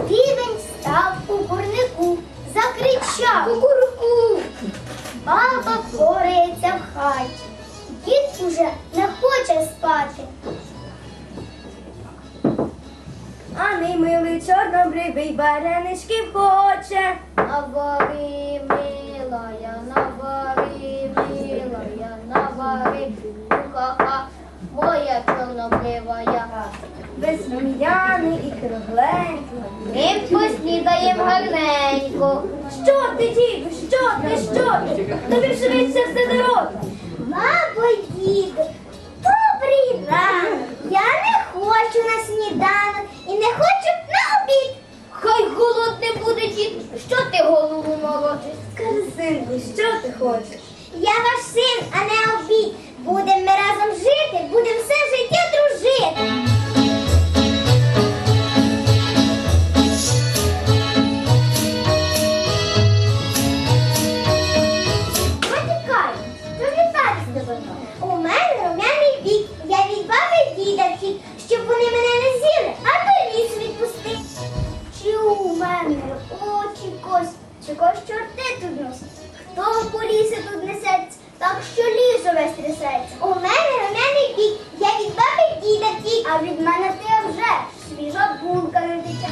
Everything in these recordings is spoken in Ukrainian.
Півень став у курнику, закричав: кукурку! Баба порається в хаті, дід уже не хоче спати. А мій милий чорнобривий вареничків хоче. Навари, милая, навари, милая, навари, ха-ха, моя чорнобривая. Веслом'яний і кругленький. Ми поснідаєм гарненько. Що ти, діду, що ти? Тобі швидше все дорога. Бабо, діду, добрий ранок. Я не хочу на сніданок і не хочу на обід. Хай голодний буде, дід. Що ти голову молочиш? Скажи, синку, що ти хочеш? Я ваш син, а не обід. Будемо ми разом жити, будемо все життя дружити. Матікай, що вітати з тобою? У мене румяний бік. Я від баби діда втік, щоб вони мене не з'їли, а до лісу відпусти. Чи у мене очі кость, чи кость чорти тут носить? Хто по лісі тут несеться, так що лісу весь трясеться? У мене румяний бік. Я від баби діда втік, а від мене ти вже свіжа булка не тече.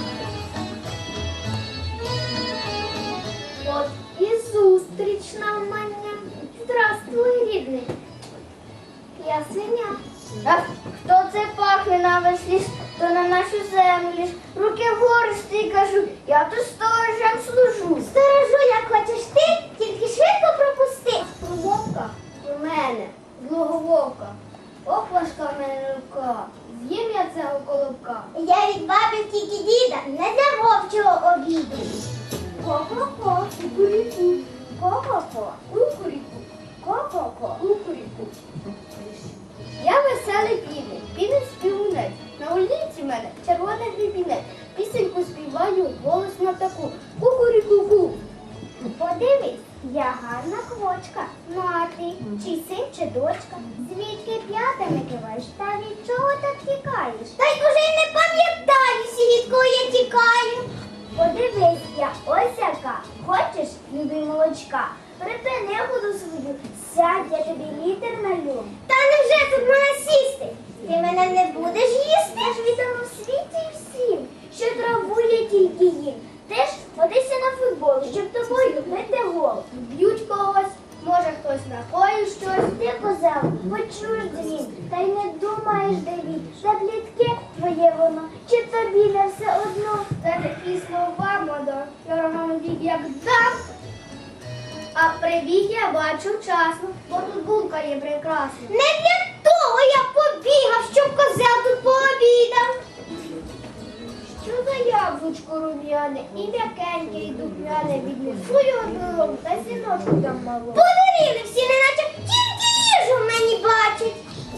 От і зустріч нам мене. Здравствуй, рідний. Я свиня. А хто це пахне на весь ліс, то на нашу землю. Руки вгору стій, кажу, я тут сторожем служу. Сторожу, як хочеш ти, тільки швидко пропусти. Вовка у мене, злого. Ох, важка в мене рука. З'їм я цього колобка. Я від баби тільки діда, не для вовчого обіду. Ко-ко-ко, кукуріку. Ко-ко-ко, кукуріку. Ко-ко-ко, кукуріку. Я веселий півень співунець. На улиці мене червоний гребінець. Пісеньку співаю, голосно таку. Кукуріку-ку. Подивись, я гарна квочка. Ну а ти, чи син, чи дочка? Звідки п'ятами киваєш? Та від чого так тікаєш? Та й уже й не пам'ятаю всі, від кого я тікаю. Подивись, я ось яка. Хочеш, любий молочка? Припини воду свою, сядь, я тобі літер налю. Та невже тут можна сісти? Ти мене не будеш їсти? Я ж відомо в світі всім, що траву я тільки їм. Ти ж ходися на футбол, щоб тобою бити гол. Б'ють когось, може хтось накоїв щось. Ти, козел, почуєш дзвін, та й не думаєш, де він. За плітки твоє воно, чи тобі не все одно. Та такі слова, мадо, я рогам бік як дам. А прибіг я бачу вчасно, бо тут булка є прекрасна. Не для того я побігав, щоб козел тут пообідав. Що за яблучко рум'яне, і м'якеньке, і духмяне віднесу його додому, та сіночку там мало. Подарили всі, неначе тільки їжу в мені бачать.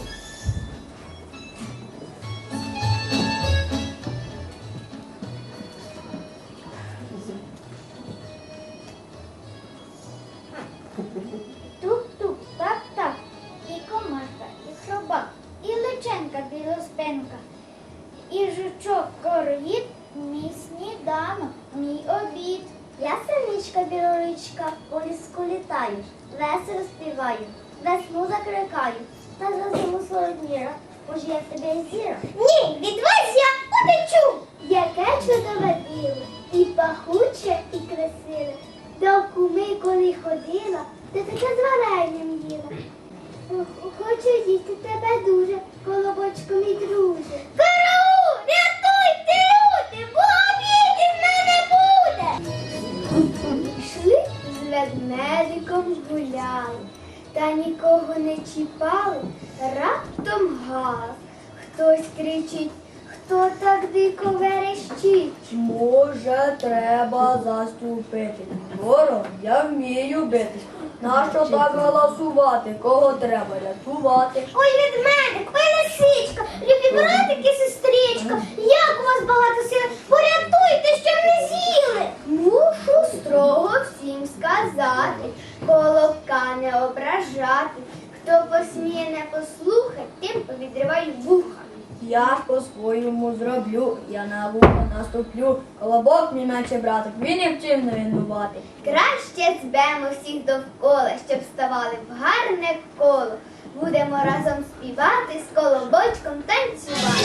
Тук-тук, так-так, і комашка, і хробак, і личенка білоспинка, і жучок короїд, мій сніданок, мій обід. Я синичка білоричка, по ліску літаю, весело співаю, весну закликаю, та за зиму солодніра, бо ж я в тебе зіра. Ні, від вас я утечу! Яке чудове біле, і пахуче, і красиве. До куми, коли ходила, ти таке з варенням їла. Хочу їсти тебе дуже, колобочку мій друже. Караул! Рятуйте, люди, бо обіди в мене буде! Йшли з ведмедиком гуляли, та нікого не чіпали, раптом газ. Хтось кричить, хто так дико верещить? Може, треба заступити. Ворог, я вмію битись. Нащо так галасувати? Кого треба рятувати? Ой, ведмедик, ой, лисичка, любі братики, сестричка, як у вас багато сили, порятуйте, щоб не з'їли. Мушу строго всім сказати, колобка не ображати. Хто посміє не послухать, тим повідриваю вуха. Я ж по по-твоєму зроблю, я на вухо наступлю, колобок мій наче братик, він і вчив не винувати. Краще збемо всіх довкола, щоб ставали в гарне коло. Будемо разом співати, з колобочком танцювати.